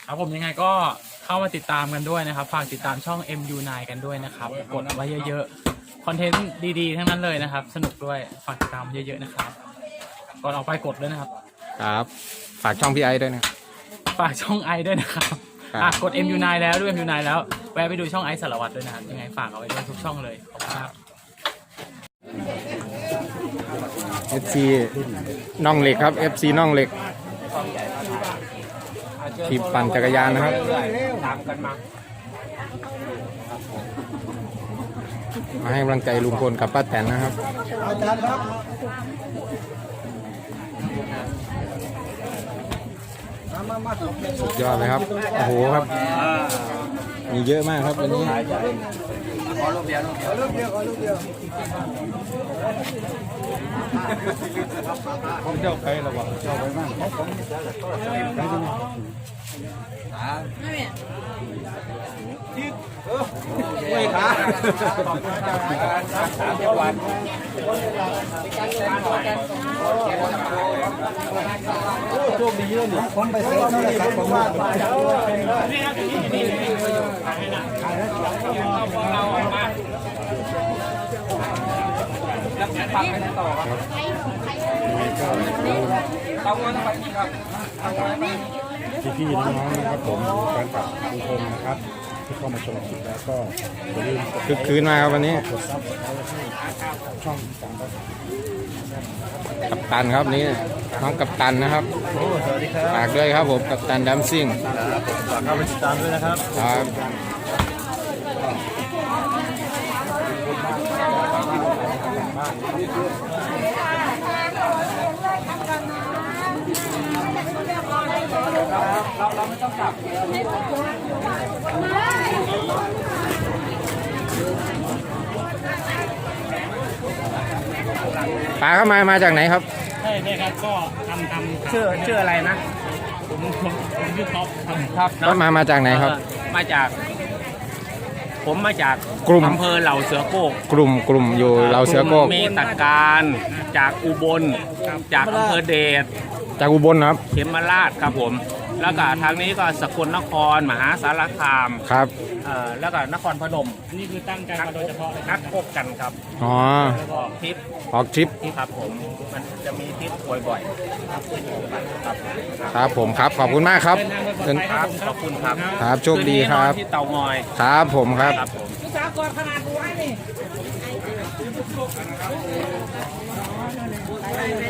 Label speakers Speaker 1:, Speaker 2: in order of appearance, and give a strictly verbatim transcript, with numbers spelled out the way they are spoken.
Speaker 1: ครับผมยังไงก็เข้ามาติดตามกันด้วยนะครับฝากติดตามช่อง เอ็ม ยู ไนน์ กันด้วยนะครับกดไว้เยอะๆคอนเทนต์ดีๆทั้งนั้นเลยนะครับสนุกด้วยฝากติดตามเยอะๆนะครับก่อนออกไปกดด้วยนะครับ
Speaker 2: ครับฝากช่องพี่ไอด้วยนะ
Speaker 1: ฝากช่องไอด้วยนะครับอ่ะกด เอ็ม ยู ไนน์ แล้วด้วย เอ็ม ยู ไนน์ แล้วแวะไปดูช่องไอสารวัตรด้วยนะครับยังไงฝากเอาไว้ด้วยทุกช่องเลยขอบคุณครับ
Speaker 2: เอฟซีน่องเหล็กครับ เอฟซีน่องเหล็กทีมปั่นจักรยานนะครับมาให้กำลังใจลุงพลกับป้าแตนนะครับสุดยอดเลยครับโอ้โหครับมีเยอะมากครับวันนี้
Speaker 3: ขอลูกเดียวขอลูกเดียวขอลูกเดียวผมเจ้าใครระวังเจ้าไว้บ้างผมไม่ไม่ขาสามจังหวัดโชคดีเยอะหนิผมไปซื้อโทรศัพท์ผมว่าแล้วฟังกันต่อครับต้องวันต้องไปกี่ครับพี่ๆน้องๆนะครับผมแฟนคลับทุกคนนะครับที่เข้ามาชมคลิปแล้วก็อย่าลืม
Speaker 2: คึกคืนมาครับวันนี้
Speaker 3: ช่องสาม
Speaker 2: กัปตันครับนี่น้องกัปตันนะครับฝากด้วยครับผมกัปตันดัมซิ่ง
Speaker 3: ฝากเข้าไปติดตามด้วยนะครับ
Speaker 2: ครับ
Speaker 3: เราเราไม่ต้องกลับ
Speaker 2: ปลาเข้ามามาจากไหนครับ
Speaker 1: ใช่ใช่ครับก็ทำทำ
Speaker 3: ชื่อชื่ออะไรนะ
Speaker 1: ผมผมผมชื่อท็อป
Speaker 3: ครับ
Speaker 2: ก็มามาจากไหนครับ
Speaker 3: มาจากผมมาจาก
Speaker 2: กลุ่ม
Speaker 3: อำเภอเหล่าเสือโก้
Speaker 2: กลุ่มกลุ่มอยู่เราเสือโก้
Speaker 3: เมตการจากอุบลจากอำเภอเดช
Speaker 2: จากอุบลครับ
Speaker 3: เขมราชครับผมแล้วก็ทางนี้ก็สกลนครมหาสารคาม
Speaker 2: ครับ
Speaker 3: เอ่อแล้วก็นครพนม
Speaker 1: นี่คือตั้งใจมาโดยเฉพาะ
Speaker 3: นัดพบกันครับ
Speaker 2: อ๋อ
Speaker 3: ออกทริป
Speaker 2: ออกทริป
Speaker 3: ครับผมมันจะมีทริปบ่อยๆครับ
Speaker 2: ครับผมครับขอบคุณมากครับ
Speaker 3: ครับขอบคุณครับ
Speaker 2: ครับโชคดีครับ
Speaker 3: ที่เตางอย
Speaker 2: ครับผมครับ
Speaker 3: ครับผม
Speaker 1: สากลขนาดหัวนี่